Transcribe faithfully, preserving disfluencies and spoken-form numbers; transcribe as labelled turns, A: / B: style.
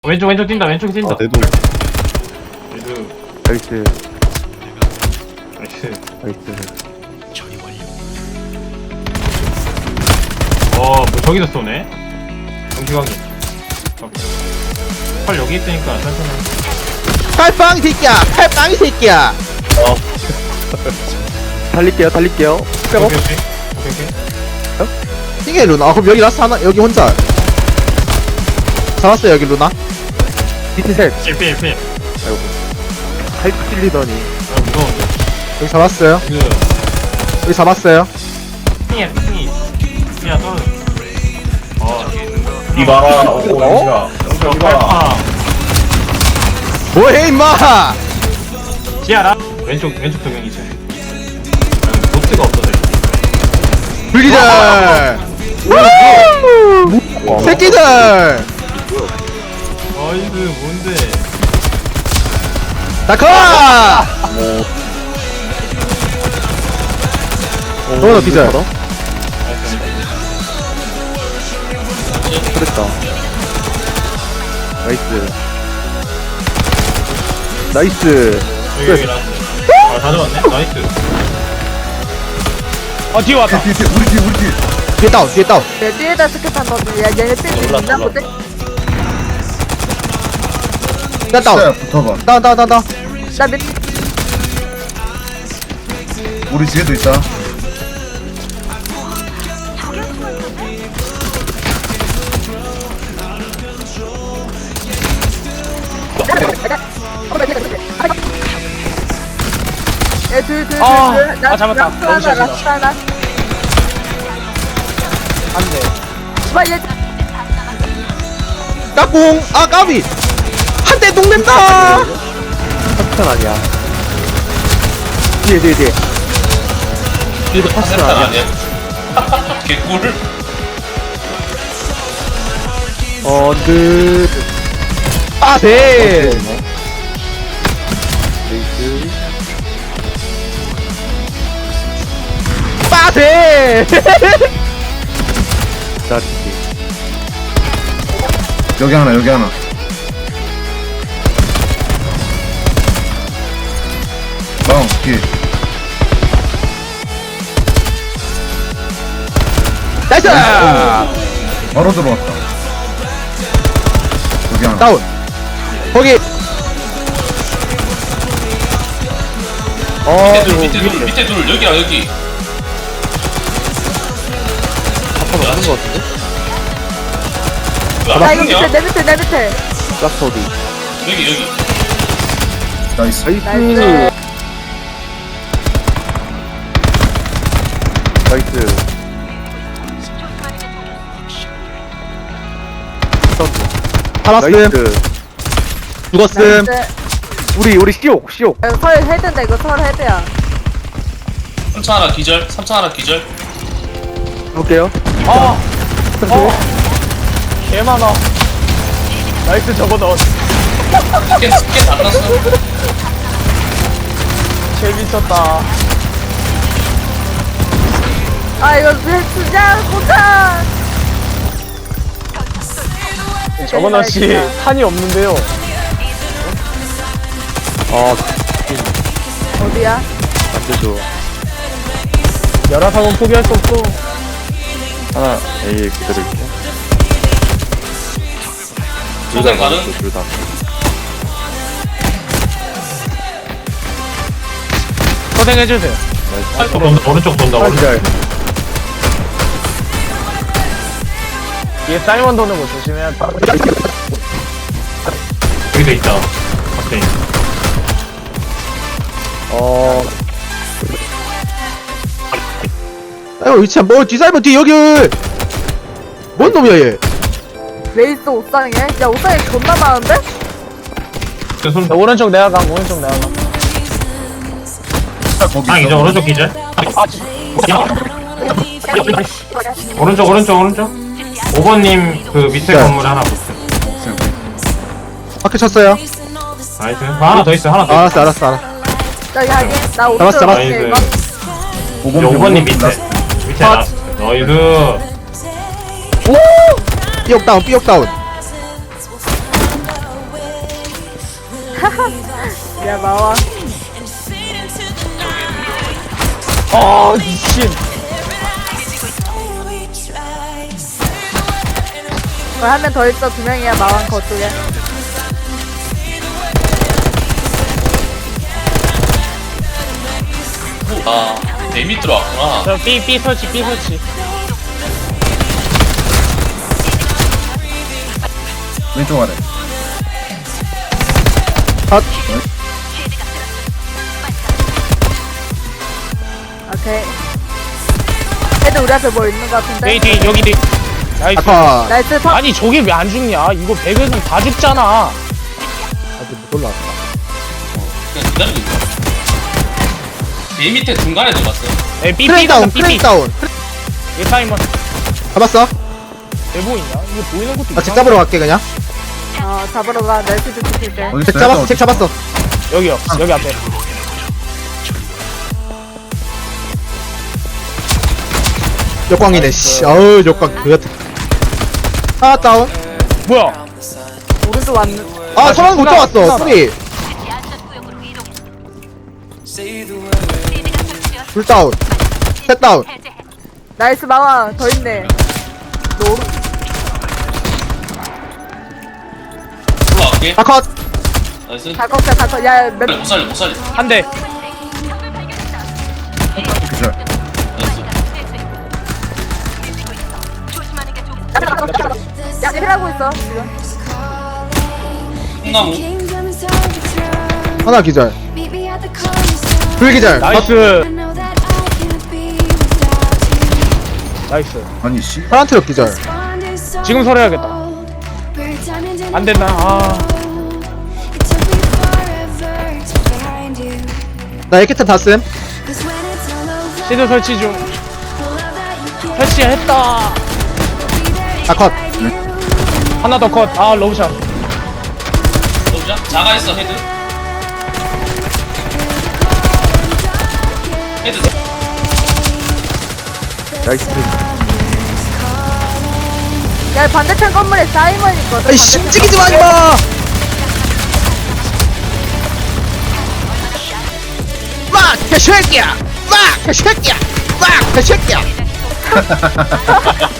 A: 왼쪽 왼쪽 뛴다 왼쪽에 뛴다.
B: 아 내도
A: 얘도
B: 나이스
A: 나이스.
B: 나이스.
A: 어뭐 저기서 쏘네. 경기광이. 펄 여기 있으니까 천천히.
C: 칼빵 이 새끼야! 칼빵 이 새끼야!
B: 달릴게요 달릴게요.
A: 오케이 오케이 오케이 오케이.
C: 띵해 루나. 아, 그럼 여기 라스 하나, 여기 혼자. 잡았어 여기 루나.
B: 밑에 셋.
A: 일필 일필.
B: 아이고 하이프 찔리더니.
A: 아 무서운데.
C: 여기 잡았어요.
A: 그
C: 여기 잡았어요.
A: 핑이야 핑이. 핑이야 떨어져. 어.
D: 이봐라. 오, 영식아.
A: 저
D: 영식아, 이봐라.
A: 팔파.
C: 뭐해 임마!
A: 지하라. 왼쪽 왼쪽 도경이 있어. 보트가 없어서.
C: 불기절! 우! 새끼들!
A: 어이구 뭔데?
C: 다커! 너무나 기절.
B: 그랬다. 나이스. 나이스.
A: 여기 여기 라스. 아다 잡았네. 나이스. 아 뒤에 왔다.
D: 뒤에, 뒤에, 우리 뒤에, 우리 뒤에.
C: 뒤에 다운, 뒤에 다운.
E: 내 뒤에다 스케판 던져. 야, 얘네 뜰 있나 보대?
C: 뒤에 다운.
D: 자, 붙어봐.
C: 다운, 다운, 다운, 다운.
E: 나 밑,
D: 우리 뒤에도 있다.
E: 얘 둘, 둘, 둘,
A: 아,
E: 둘. 나,
A: 아, 잡았다.
E: 라스트 하나,
A: 너무
E: 라스트 하나.
A: 안 돼.
E: 봐, 얘,
C: 까꿍! 아, 까비! 한 대 동낸다!
B: 파스탄 아니야. 뒤에 뒤에 뒤에. 뒤에도 파스탄 아니야.
F: 개꿀.
B: 어, 그.
C: 아, 네!
B: 레이스.
C: 빠세!
B: 자, 뒤에.
D: 여기 하나, 여기 하나. 다운, 뒤에.
C: 나이스!
D: 바로 들어왔다. 여기 하나.
C: 다운. 거기.
B: 어,
F: 밑에 둘, 밑에 둘, 밑에 둘, 여기야 여기.
B: 아빠 맞는 거 같은데?
F: 그
E: 나 이거 밑에,
F: 앞쪽이야?
E: 내 밑에, 내 밑에.
B: 라스트 어디?
F: 여기 여기.
D: 나이스.
E: 나이스.
B: 나이스.
C: 살았음.
B: 나이스.
C: 죽었음.
E: 나이스.
B: 우리, 우리 시옥, 시옥.
E: 이거 설 헤드인데, 이거 설 헤드야.
F: 삼 차 하나 기절, 삼 차 하나 기절.
B: 볼게요.
A: 아. 어. 개 많아. 나이스 저거 넣었.
F: 스캔 스캔 다 땄어.
A: 재밌었다.
E: 아, 이거 왜 쓰냐, 고타!
A: 저거너 씨 탄이 없는데요.
B: 아,
E: 어디야?
B: 안 되죠.
A: 열화상은 포기할 수 없어.
B: 하나, A 기다릴게.
F: 초생 가는.
B: 둘 다.
A: 고생해주세요.
B: 나이스.
A: 돈다 오른쪽 돈다
B: 아,
A: 오른쪽.
B: 기다려.
A: 뒤에 사이먼 도는 거 조심해야 돼. 여기도 있다. 갑자기.
B: 어,
C: 아이고, 위치야. 뭐, 뒤사이버 뒤, 여기! 뭔 놈이야, 얘?
E: 왜 있어, 옥상에? 야, 옥상에 존나 많은데?
A: 그 손. 오른쪽 내가 가. 오른쪽 내가 가.
D: 거기
A: 아 이제
D: 있어.
A: 오른쪽 기절. 아, 지- 야. 오른쪽 오른쪽 오른쪽. 오 번님 그 밑에
C: 네.
A: 건물 하나 붙어.
C: 바퀴 쳤어요.
A: 나이스. 아, 하나 더 있어 하나 더.
C: 아,
A: 있어.
C: 알았어, 알았어, 알았어.
E: 저기 하긴, 나 옥상.
C: 잡았어, 잡았어.
A: 나이스.
D: 오 번,
A: 오 번님
D: 오 번,
A: 밑에.
D: 라스트.
A: 밑에
C: 아.
A: 라스트. 나이스.
C: 삐옥 다운, 삐옥 다운.
E: 야 마와.
A: 아 미친.
E: 한 명 더 있어. 두 명이야 마왕 거쪽에.
F: 아, 내밑 들어왔구나.
A: 저 B B 설치 B 설치.
D: 왼쪽 아래.
C: 컷.
E: 오케이. 애들 우리 앞에 뭐 있는 거 같은데?
A: 뒤 뒤 여기 뒤. 나이스.
C: 아까
E: 나이스 파.
A: 아니 저게 왜 안 죽냐? 이거 백에선 다 죽잖아.
C: 아직 못 올라왔다.
F: 그냥 기다리고 있어. 내 밑에 중간에 들어갔어.
A: 에 B
C: 크레이
A: B
C: 다운,
A: 가자 B
C: 크레이
A: B.
C: 다운.
A: 얘 타이머
C: 잡았어?
A: 왜 보이냐? 이거 보이는 것도
C: 나 책
A: 이상하네.
C: 잡으러 갈게 그냥.
E: 어 잡으러 가. 날씨 좀 지킬게.
D: 어디
C: 책
D: 있어요?
C: 잡았어,
D: 어디
C: 책 잡았어.
A: 여기요. 여기 앞에.
C: 역광이네. 씨. 어우 역광 그 같은. 하나 다운.
A: 뭐야?
E: 오른쪽 왔는.
C: 아 소랑 못
A: 하나,
C: 잡았어.
A: 하나.
C: 소리. 둘 다운. 셋 다운.
E: 나이스 마왕 더 있네. 너 오른.
F: 올라갈게.
C: 다 컷.
F: 나이스.
E: 다 꺾여 다 꺾여. 야 몇.
F: 못 살려, 못 살려.
A: 한 대.
D: 기절.
E: 야 힐하고 있어 지금.
F: 콩나무.
C: 하나 기절. 둘 기절. 컷.
A: 나이스. 나이스.
D: 아니 씨.
C: 파란 트럭 기절.
A: 지금 설해야겠다. 안 됐나? 아.
C: 나 에케탄 다 씀.
A: 시드 설치 중. 설치했다.
C: 다 컷.
A: 하나 더 컷. 아 러브샷.
F: 보자. 자가 있어, 헤드. 헤드.
C: 나이스.
E: 야 반대편 건물에 사이먼 있거든.
C: 아이
E: 반대편
C: 심지기지 마 임마. 막 개새끼야. 막 개새끼야. 막 개새끼야.